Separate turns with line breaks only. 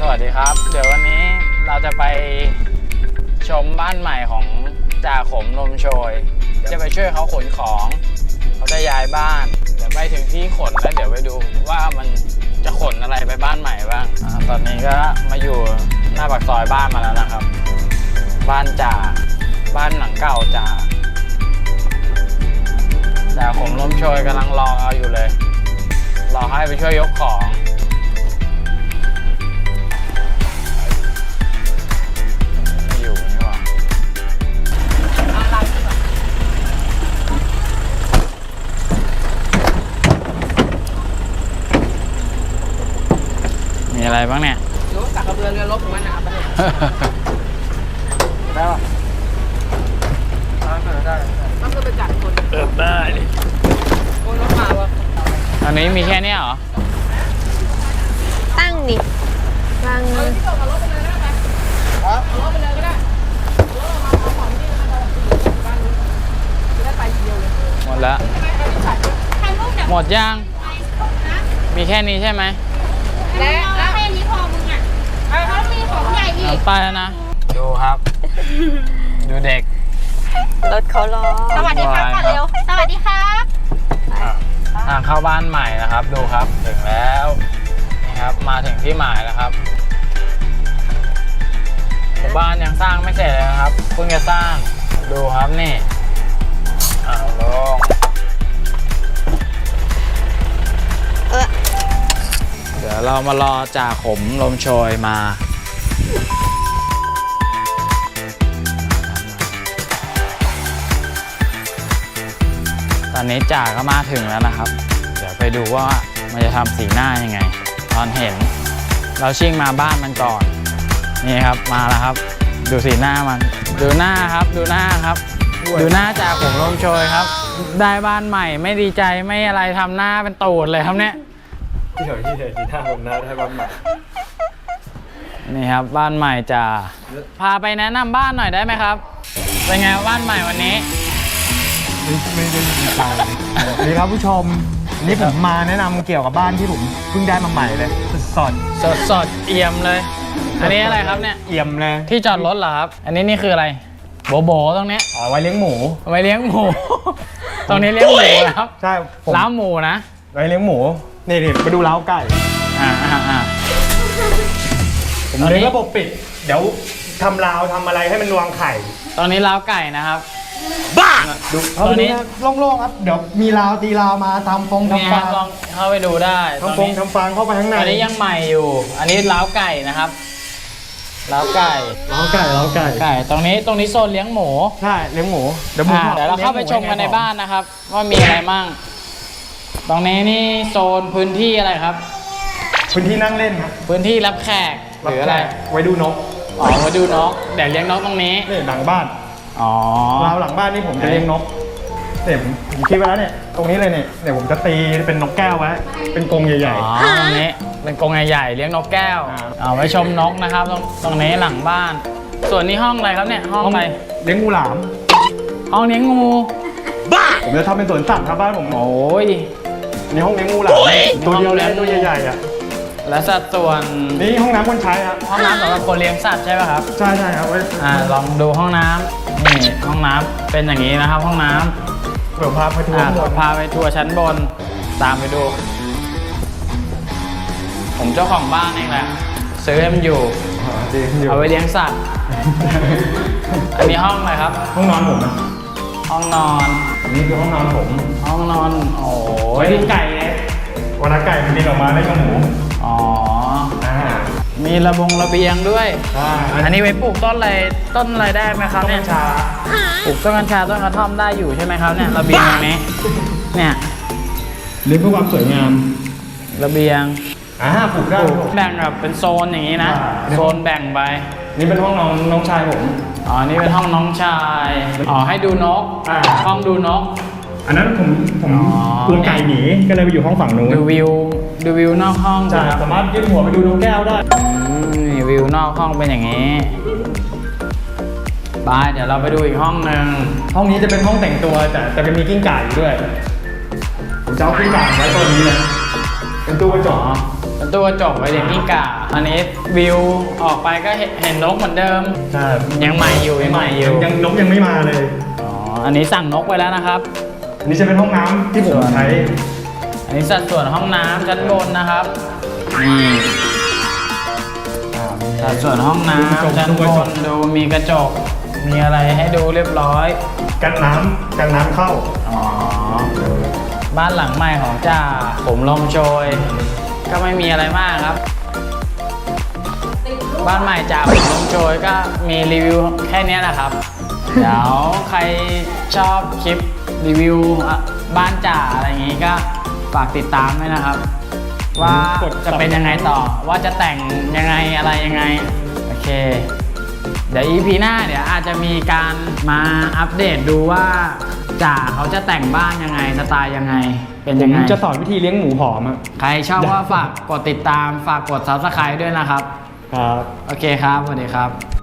วัสดีครับเดี๋ยววันนี้เราจะไปชมบ้านใหม่ของจ่าขมลมโชยจะไปช่วยเขาขนของเขาจะย้ายบ้านเดี๋ยวไปถึงที่ขนแล้วเดี๋ยวไปดูว่ามันจะขนอะไรไปบ้านใหม่บ้างตอนนี้ก็มาอยู่หน้าปากซอยบ้านมาแล้วนะครับบ้านจ่าบ้านหลังเก่าจ่าขมลมโชยกำลังรอเอาอยู่เลยรอให้ไปช่วยยกของมีอะไรบ้างเนี่ยรู้สักกระเบือเรือรบของมันนะครับได้ป่ะได้ต้องไปจัดคนได้คนรถมาวะอันนี้มีแค่นี้เหรอ
ตั้งดิวางเอาที่ส่งเอารถไปเลยได้ไหมเอารถไปเลยก็ได้รถเรามาเอาของที่บ้านนู้นจะได้ไปเดียวเลย
หมดแล้วหมดยังมีแค่นี้ใช่ไหม
แล้วแค่นี้พอมึงอ่ะเขามีของใหญ่อีก
ไปแล้วนะดูครับดูเด็ก
รถเขารอสวัสดีครับก่อนเร็วสวัสดีครับ
ทางเข้าบ้านใหม่นะครับดูครับถึงแล้วนี่ครับมาถึงที่หมายแล้วครับบ้านยังสร้างไม่เสร็จเลยนะครับเพิ่งจะสร้างดูครับนี่ลงเดี๋ยวเรามารอจ่าขมลมโชยมาตอนนี้จ่าก็มาถึงแล้วนะครับเดี๋ยวไปดูว่ามันจะทำสีหน้ายังไงตอนเห็นเราชิ่งมาบ้านมันก่อนนี่ครับมาแล้วครับดูสีหน้ามันดูหน้าครับดูหน้าครับดูหน้าจ่าขมลมโชยครับได้บ้านใหม่ไม่ดีใจไม่อะไรทำหน้าเป็นตูดเลยครับเนี่ย
ที่เฉยที่หน้าผมหน้าได้บ้านใหม่
นี่ครับบ้านใหม่จ่าพาไปแนะนำบ้านหน่อยได้ไหมครับเป็นไงบ้านใหม่วันนี้
ไม่ได้ดีใจนี่ครับผู้ชมนี่ผมมาแนะนำเกี่ยวกับบ้านที่ผมเพิ่งได้มาใหม่เลยสด
เอี่ยมเลยอันนี้อะไรครับเนี่ย
เอี่ยมเลย
ที่จอดรถเหรอครับอันนี้นี่คืออะไรโบตรงนี้
ไว้เลี้ยงหมู
ตรงนี้เลี้ยงหมูครับ
ใช่
ล้าวหมูนะ
ไว้เลี้ยงหมูนี่มาดูล้าวไก่ผมเลี้ยงระบบปิดเดี๋ยวทำราวทำอะไรให้มันวางไข่
ตอนนี้ล้าวไก่นะครับ
บ้าดูตอนนี้โล่งๆครับเดี๋ยวมีราวตีราวมาทำฟงทำฟาง
ลองเข้าไปดูได้
ทำฟงทำฟางเข้าไปข้างใน
อันนี้ยังใหม่อยู่อันนี้ล้าวไก่นะครับล้าวไก่ตรงนี้โซนเลี้ยงหมู
ใช่เลี้ยงหมู
เดี๋ยวเราเข้าไปชมกันในบ้านนะครับว่ามีอะไรมั่งตรงนี้นี่โซนพื้นที่อะไรครับ
พื้นที่นั่งเล่นครับ
พื้นที่รับแขกหรืออะไร
ไว้ดูนก
ไว้ดูนกเดี๋ยวเลี้ยงนกตรงนี้
นี่หลังบ้านราวหลังบ้านนี่ผมจะเลี้ยงนกเนี่ยผมคิดไว้แล้วเนี่ยตรงนี้เลยเนี่ยผมจะตีเป็นนกแก้วไว้เป็นกรงใหญ่
ๆตรงนี้เป็นกรงใหญ่ๆเลี้ยงนกแก้วเอาไว้ชมนกนะครับตรงนี้หลังบ้านส่วนนี้ห้องอะไรครับเนี่ยห้องอะไร
เลี้ยงงูหลาม
ห้องเลี้ยงงู
บ้าผมจะทำเป็นสวนสัตว์ครับบ้านผม
โอ้ย
นี่ห้องเลี้ยงงูหลามตัวเดียวเลยตัวใหญ่ๆอ่ะ
และสัดส่วน
นี่ห้องน้ำคนใช้ครับ
ห้องน้ำสำหรับคนเลี้ยงสัตว์ใช่ไหมครับ
ใช่ครับ
ลองดูห้องน้ำนี่ห้องน้ำเป็นอย่างนี้นะครับห้องน้
ำเดี๋ยวพาไปทัว
ร์ชั้นบนตามไปดูผมเจ้าของบ้านเองแหละซื้อให้มันอยู่เอาไว้เลี้ยงสัตว์อันนี้ห้องอะไรครับ
ห้องนอนผม
ห้องนอน
นี่คือห้องนอนผม
ห้องนอนโอ้
ยดูไก่เลยวันละไก่มันบินออกมาได้กับหมู
มีระเบียงด้วยอันนี้ไว้ปลูกต้นอะไรได้ไหมครับเนี่ยปลูกต้นกัญชาต้นกระท่อมได้อยู่ใช่ไหมครับเนี่ยระเบียงตรงนี้เนี่ย
เลี้ยงเพื่อความสวยงาม
ระเบียง
ปลูกได้
แบ่งแบบเป็นโซนอย่างนี้นะโซนแบ่งไป
นี่เป็นห้องน้องชายผม
นี่เป็นห้องน้องชายให้ดูนกห้องดูนก
อันนั้นผมกลัวไก่หนีก็เลยไปอยู่ห้องฝั่งนู้น
ดูวิวนอกห้อง
ใช่สามารถยื่นหัวไปดูนกแก้วได้
วิวนอกห้องเป็นอย่างนี้ไปเดี๋ยวเราไปดูอีกห้องหนึ่ง
ห้องนี้จะเป็นห้องแต่งตัวแต่จะมีกิ้งก่าอยู่ด้วยผมจะเอากิ้งก่าไว้ตัวนี้เลยเป็นตู้กระจก
เป็นประตูกระจกไว้เด็กกิ้งก่าอันนี้วิวออกไปก็เห็นนกเหมือนเดิม
ใช่
ยังใหม่อยู่ยังใหม่อยู่
ยังนกยังไม่มาเลย
อ๋ออันนี้สั่งนกไปแล้วนะครับ
อันนี้จะเป็นห้องน้ำที่ผมใช้
อันนี้สัดส่วนห้องน้ำชั้นบนนะครับนี่สัดส่วนห้องน้ำชั้นบนดูมีกระจกมีอะไรให้ดูเรียบร้อย
กันน้ำเข้า
อ๋อบ้านหลังใหม่ของจ่าผมลมโชย ก็ไม่มีอะไรมากครับ บ้านใหม่จ่าผมลมโชยก็มีรีวิวแค่นี้แหละครับ เดี๋ยวใครชอบคลิปรีวิวบ้านจ่าอะไรอย่างงี้ก็ฝากติดตามด้วยนะครับ ว่าจะเป็นยังไงต่อว่าจะแต่งยังไงอะไรยังไงโอเค เดี๋ยว EP หน้าเดี๋ยวอาจจะมีการมาอัปเดตดูว่าจ่าเขาจะแต่งบ้านยังไงสไตล์ยังไงเป็น
ผ
ยัง
ม
ไง
จะสอนวิธีเลี้ยงหมูหอมอะ
ใครชอบว่าฝากกดติดตามฝากกด Subscribe ด้วยนะครับ
ครับ
โอเคครับสวัสดีครับ